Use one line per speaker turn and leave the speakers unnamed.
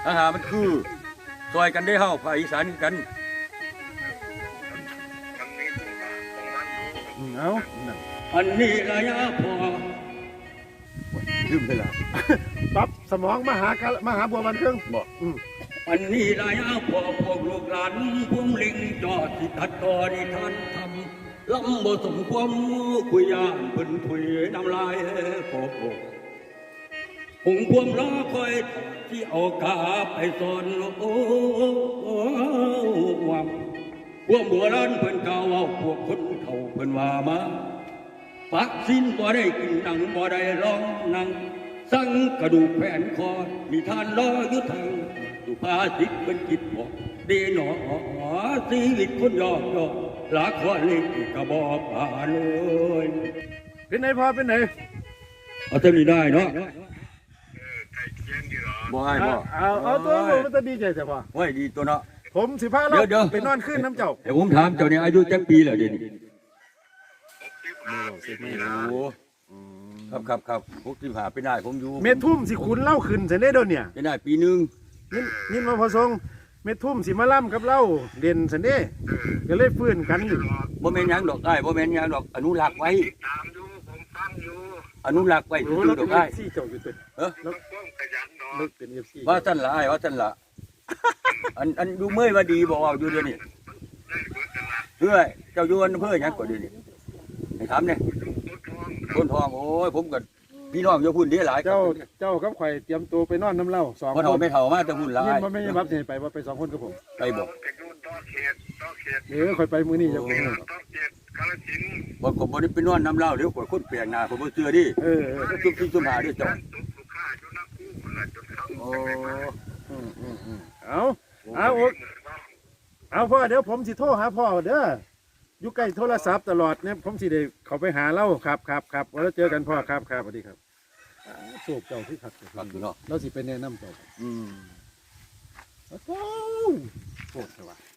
อาหารมันคือซอยกันได้เฮาภาคอีสานกัน
เอานั่น
อันนี้ระยะพอ
ลืมไปละปั๊บสมองมหาบัวบันเครื่องบอก
อันนี้ระยะพอพวกลูกหลานพวงลิงจอดที่ตัดต่อนิทานทำลำบ่สมความคุยยานเพิ่นถุยน้ำลายโปโปหงพวมรอคอยที่เอากาไปสอนโอ้วามพวกโบราณเพิ่นกล่าวเอาพวกคนเขาเพิ่นว่ามาปักสิ้นบ่ได้กินหนังบ่ได้ร้องหนังสั่งกระดูกแผ่นคอนิทานรออยู่ทางสุภาษิตเป็นจิตบอกดีหนอชีวิตคนยอกยอกหลากว่าเล็กกระบอกป่าเลย
เป็นไหนพอเป็นไหน
เอาเท่านี้ได้เนาะบ่ให้บ่
เอาตัวมันจะดีใจแต่พอ
ไว้ดีตัวเนาะ
ผมสิพาเรา
เดี๋ยว
ไปนอนขึ้นน้ำเจ้า
เดี๋ยวผมถามเจ้าเนี่ยอายุจักปีแล้วเดี๋ยวนี้โอ้ครับ65เป็นได้ผมอยู่
เม็ดทุ่มสิขุนเล่าขึ้นเสร็จได้โดนเนี่ย
เป็นได้ปีหนึง
ยินมาพอทรงเม็ดทุ่มสิมาล่ำกับเล่าเด่นเสร็จได้ก็เลยฟื้นกันอยู่
บ่แม่นหยังดอกได้บ่แม่นหยังดอกอนุรักษ์ไว้
ตามอยู่ผมฟังอยู่
อนุรักษ์ไว้
โอ้
ซื่
เรา
อๆด
เป็
อน กได้
FC เจ้าอยู่ตึก
แล้ว
ต้องขยันเนาะ
เลิกเป็น FC
ว่าท่านละอ้ายว่าท่านละอันดูเมื่อยว่าดีบ่เอาอยู่เดี๋ยวนี้เฮ้ยเจ้าอยู่อำเภอหยังก็เดี๋ยวนี้ให้ถามเนี่ยต้นทองโอ้ยผมก็พี่น้องอยู่พุ่นเด้หลาย
เจ้ากับข่อยเตรียมตัวไปนอนน้ำเล่า2
บ่
คน
เฒ่าไม่เฒ่ามาแต่พุ่นหลา
ยิน
ย
มาไม่ใช่บับสิไปว่าไป2 คนกับผม
ไปบ่
จะอยู่ต่อเขต
ข่อยไปมื้อนี้เจ้าของ
ต่อเขตกาฬสินธุ์
บ่ก็บ่ได้ไปนอนน้ำเหล้าเดี๋ยวข่อยคนแปลกหน้าผมบ่เชื่อดิ ก็ซุบซิบซุบหาเด้อเจ้า
ตุกลูกค้าอยู่นักกู้คนละจนเข้า
โอ้
เอาพ่อเดี๋ยวผมสิโทรหาพ่อเด้ออยู่ใกล้โทรศัพท์ตลอดเนี่ยผมสิได้เขาไปหาเล่าครับแล้วเจอกันพ่อครับสวัสดีครับโชคเจ้าที่ขัด
ครับอยู่เนาะ
เราสิไปแนะนำเจ้า
อืม
โอ้โหโชคเถอะวะ